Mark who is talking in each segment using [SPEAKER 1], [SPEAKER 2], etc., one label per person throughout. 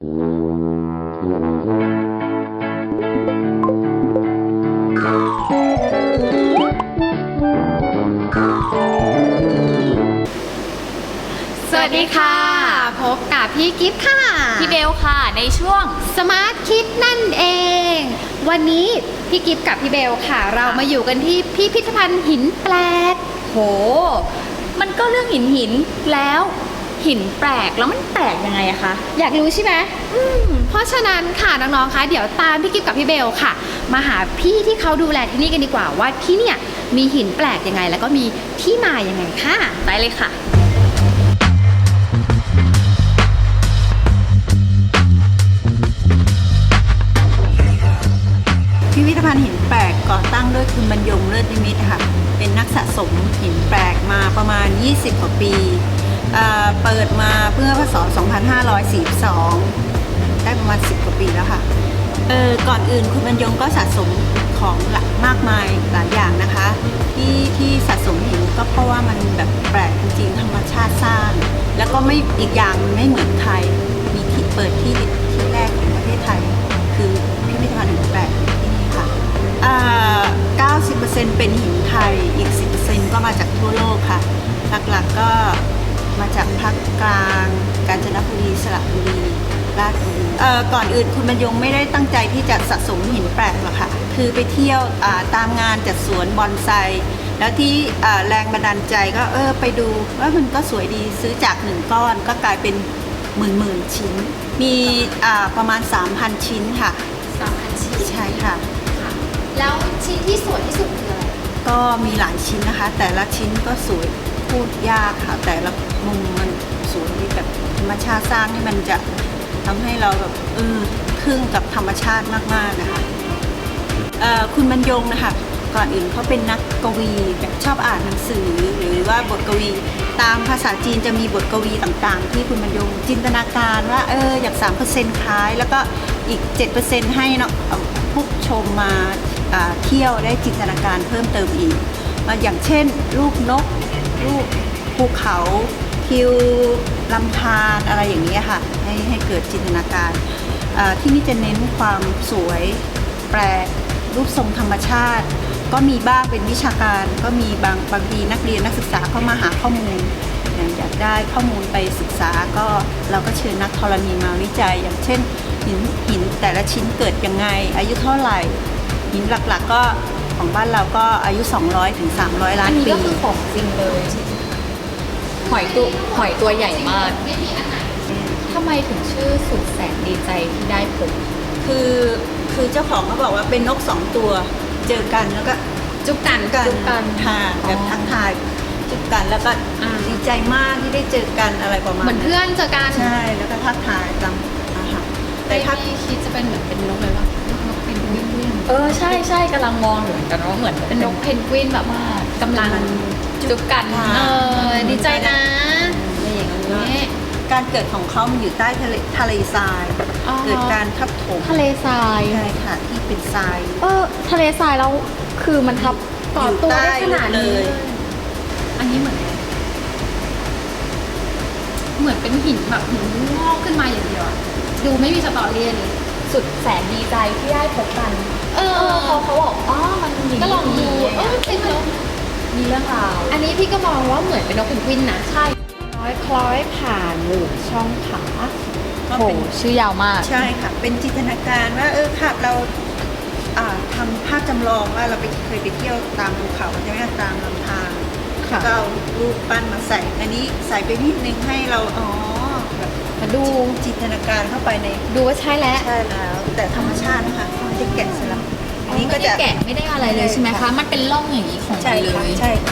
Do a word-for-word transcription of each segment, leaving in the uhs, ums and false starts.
[SPEAKER 1] สวัสดีค่ะพบกับพี่กิฟต์ค่ะ
[SPEAKER 2] พี่เบลค่ะในช่วง
[SPEAKER 1] Smart Kids นั่นเอง วันนี้พี่กิฟต์กับพี่เบลค่ะ เรามาอยู่กันที่พิพิธภัณฑ์หินแปลก
[SPEAKER 2] โหมันก็เรื่องหินหินแล้วหินแปลกแล้วมันแปลกยังไงอะคะ
[SPEAKER 1] อยากรู้ใช่ไหมอืมเพราะฉะนั้นค่ะน้องๆคะเดี๋ยวตามพี่กิฟต์กับพี่เบลค่ะ มาหาพี่ที่เขาดูแลที่นี่กันดีกว่าว่าที่เนี่ยมีหินแปลกยังไง แล้วก็มีที่มายังไงค่ะ
[SPEAKER 2] ได้เลยค่ะ
[SPEAKER 3] พิพิธภัณฑ์หินแปลกก่อตั้งโดยคุณบรรยงเลิศนิมิตค่ะเป็นนักสะสมหินแปลกมาประมาณยี่สิบกว่าปีเอ่อเปิดมาเพื่อพศสองพันห้าร้อยสี่สิบสองได้ประมาณสิบกว่าปีแล้วค่ะเออก่อนอื่นคุณบรรยงก็สะสมของหลากมากมายหลายอย่างนะคะที่ที่สะสมหินก็เพราะว่ามันแบบแปลกจริงๆธรรมชาติสร้างแล้วก็ไม่อีกอย่างมันไม่เหมือนใครมีที่เปิดที่ที่แรกของประเทศไทยคือพิพิธภัณฑ์หินแปลกที่นี่ค่ะ เก้าสิบเปอร์เซ็นต์ เป็นหินไทย อีก สิบเปอร์เซ็นต์ ก็มาจากทั่วโลกค่ะ หลักๆก็มาจากภาคกลาง กาญจนบุรี สระบุรี ราชบุรีเอ่อก่อนอื่นคุณบรรยงไม่ได้ตั้งใจที่จะสะสมหินแปลกหรอกค่ะ คือไปเที่ยวตามงานจัดสวนบอนไซ แล้วที่แรงบันดาลใจก็เออไปดูว่ามันก็สวยดี ซื้อจากหนึ่งก้อนก็กลายเป็นหมื่นๆชิ้น มีประมาณ สามพัน ชิ้นค่ะ
[SPEAKER 1] สามพันชิ้น
[SPEAKER 3] ใช่ค่ะ
[SPEAKER 1] แล้วชิ้นที่สวยที่สุดคืออะไร
[SPEAKER 3] ก็มีหลายชิ้นนะคะ แต่ละชิ้นก็สวยพูดยากค่ะ แต่ละมุมมันสวยแบบธรรมชาติสร้างนี่มันจะทำให้เราแบบเออทึ่งกับธรรมชาติมากๆนะคะเอ่อคุณบรรยงนะคะก่อนอื่นเขาเป็นนักกวีแบบชอบอ่านหนังสือหรือว่าบทกวีตามภาษาจีนจะมีบทกวีต่างๆที่คุณบรรยงจินตนาการว่าเอออยาก สามเปอร์เซ็นต์ คล้ายแล้วก็อีก เจ็ดเปอร์เซ็นต์ ให้เนาะผู้ชมมาเที่ยวได้จินตนาการเพิ่มเติมอีกอย่างเช่นรูปนกรูปภูเขาทิวลำธารอะไรอย่างนี้ค่ะให้ให้เกิดจินตนาการที่นี่จะเน้นความสวยแปลกรูปทรงธรรมชาติก็มีบ้างเป็นวิชาการก็มีบางบางทีนักเรียนนักศึกษาเข้ามาหาข้อมูลอยากได้ข้อมูลไปศึกษาก็เราก็เชิญนักธรณีมาวิจัยอย่างเช่นหินหินแต่ละชิ้นเกิดยังไงอายุเท่าไหร่หินหลักๆก็ของบ้านเราก็อายุ สองร้อยถึงสามร้อย ล้านปีอันนี้
[SPEAKER 2] ก็คือของจริงเลยหอยตัวหอยตัวใหญ่มากทำไมถึงชื่อสุดแสนดีใจที่ได้พบ
[SPEAKER 3] คือคือเจ้าของเขาบอกว่าเป็นนกสองตัวเจอกันแล้วก็จุ๊บกันกันจุ๊บกันค่ะแบบทักทายจุ๊บกันแล้วก็ดีใจมากที่ได้เจอกันอะไรประมาณ
[SPEAKER 1] เหมือนเพื่อนเจอกัน
[SPEAKER 3] ใช่แล้วก็ทักทายตามอาหาร
[SPEAKER 1] แต่ถ้าพี่คิดจะเป็นเหมือนเป็นนกเลยว่านกเพนกวิน
[SPEAKER 2] เออใช่ใช่กำลังมองอยู่เหมือนกันว่าเหมือน
[SPEAKER 1] เป็นนกเพนกวินแบบว่ากำลังจุ๊บกันเออดีใจนะอะไรอย่างนี้
[SPEAKER 3] การเกิดของเขามันอยู่ใต้ทะเลทะเลทรายเกิดการทับถม
[SPEAKER 2] ทะเลทราย
[SPEAKER 3] ใช่ค่ะที่เป็นทราย
[SPEAKER 2] เออทะเลทรายแล้วคือมันทับ
[SPEAKER 1] ก่อตัวได้ขนาดนี้อันนี้เหมือนเหมือนเป็นหินแบบหินงอกขึ้นมาอย่างเดียวดูไม่มีสตอรี่เลย
[SPEAKER 2] สุดแสนดีใจที่ได้พบกัน
[SPEAKER 1] เออ
[SPEAKER 2] เขาเขาบอกอ๋อมันมี
[SPEAKER 1] ก็ลองดูเออจริงเหรอ
[SPEAKER 2] มีเรื่องราว
[SPEAKER 1] อันนี้พี่ก็มองว่าเหมือนเป็นนกเพนกวินนะ
[SPEAKER 2] ใช่คล้อยคล้อยผ่านหรือช่องขาก็เป็นชื่อยาวมาก
[SPEAKER 3] ใช่ค่ะเป็นจินตนาการว่าเออค่ะเราทำภาพจำลองว่าเราไปเคยไปเที่ยวตามภูเขาใช่ไหมตามลำธารก็เอารูปปั้นมาใส่อันนี้ใส่ไปนิดนึงให้เราอ๋อแบบ
[SPEAKER 1] มาดู
[SPEAKER 3] จินตนาการเข้าไปใน
[SPEAKER 1] ดูว่าใช่แล้ว
[SPEAKER 3] ใช่แล้วแต่ธรรมชาตินะคะไม่ได้แกะสลัก
[SPEAKER 1] อันนี้ก็จะแกะไม่ได้อะไรเลยใช่ไหมคะมันเป็นร่องอย่างนี้ของมันเลย
[SPEAKER 3] ใช่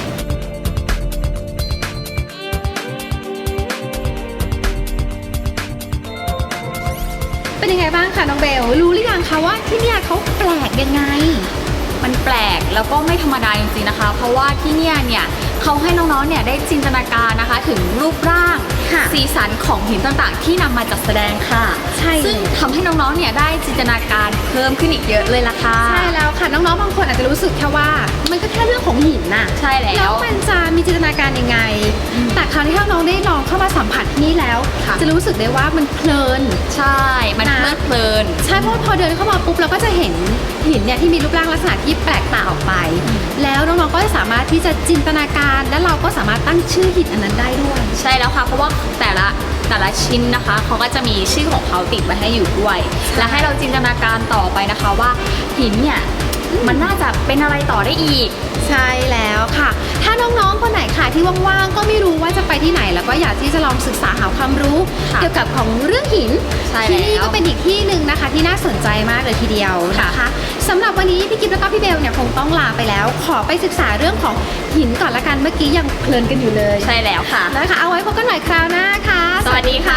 [SPEAKER 1] เป็นยังไงบ้างคะน้องเบลรู้หรือยังคะว่าที่เนี่ยเขาแปลกยังไง
[SPEAKER 2] มันแปลกแล้วก็ไม่ธรรมดาจริงๆนะคะเพราะว่าที่เนี่ยเนี่ยเขาให้น้องๆเนี่ยได้จินตนาการนะคะถึงรูปร่างสีสันของหินต่างๆที่นำมาจัดแสดงค่ะ
[SPEAKER 1] ใช่
[SPEAKER 2] ซึ่งทำให้น้องๆเนี่ยได้จินตนาการเพิ่มขึ้นอีกเยอะเลยล่ะค่ะ
[SPEAKER 1] ใช่แล้วค่ะน้องๆบางคนอาจจะรู้สึกแค่ว่ามันก็แค่เรื่องของหินน่ะ
[SPEAKER 2] ใช่แล้ว
[SPEAKER 1] แล้วมันจะมีจินตนาการยังไง แต่คราวที่น้องๆได้ลองเข้ามาสัมผัสที่นี่แล้ว
[SPEAKER 2] ค่ะ
[SPEAKER 1] จะรู้สึกได้ว่ามันเพลิน
[SPEAKER 2] ใช่ มัน
[SPEAKER 1] นะ
[SPEAKER 2] เพลิดเพลิน
[SPEAKER 1] ใช่เพราะว่าพอเดินเข้ามาปุ๊บเราก็จะเห็นหินเนี่ยที่มีรูปร่างลักษณะที่แปลกตาออกไป แล้วน้องๆก็จะสามารถที่จะจินตนาการและเราก็สามารถตั้งชื่อหินอันนั้นได้ด้วย
[SPEAKER 2] ใช่แล้วค่ะ เพราะว่าแต่ละแต่ละชิ้นนะคะเขาก็จะมีชื่อของเขาติดไว้ให้อยู่ด้วย และให้เราจินตนาการต่อไปนะคะว่าหินเนี่ยมันน่าจะเป็นอะไรต่อได้อีก
[SPEAKER 1] ใช่แล้วค่ะ ถ้าน้องๆ คนไหนค่ะที่ว่างๆ ก็ไม่รู้ว่าจะไปที่ไหน แล้วก็อยากที่จะลองศึกษาหาความรู้
[SPEAKER 2] ค่ะ
[SPEAKER 1] เกี่ยวกับของเรื่องหิน
[SPEAKER 2] ใช่
[SPEAKER 1] ที่นี่
[SPEAKER 2] แล้ว
[SPEAKER 1] ก็เป็นอีกที่หนึ่งนะคะ ที่น่าสนใจมากเลยทีเดียวนะคะสำหรับวันนี้พี่กิฟแล้วก็พี่เบลเนี่ยคงต้องลาไปแล้ว ขอไปศึกษาเรื่องของหินก่อนละกัน เมื่อกี้ยังเพลินกันอยู่เลย
[SPEAKER 2] ใช่แล้วค่ะ
[SPEAKER 1] นะคะ เอาไว้พบกันใหม่คราวหน้าค่ะ
[SPEAKER 2] สวัสดีค่ะ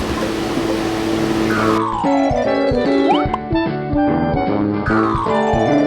[SPEAKER 1] สวัสดีค่ะ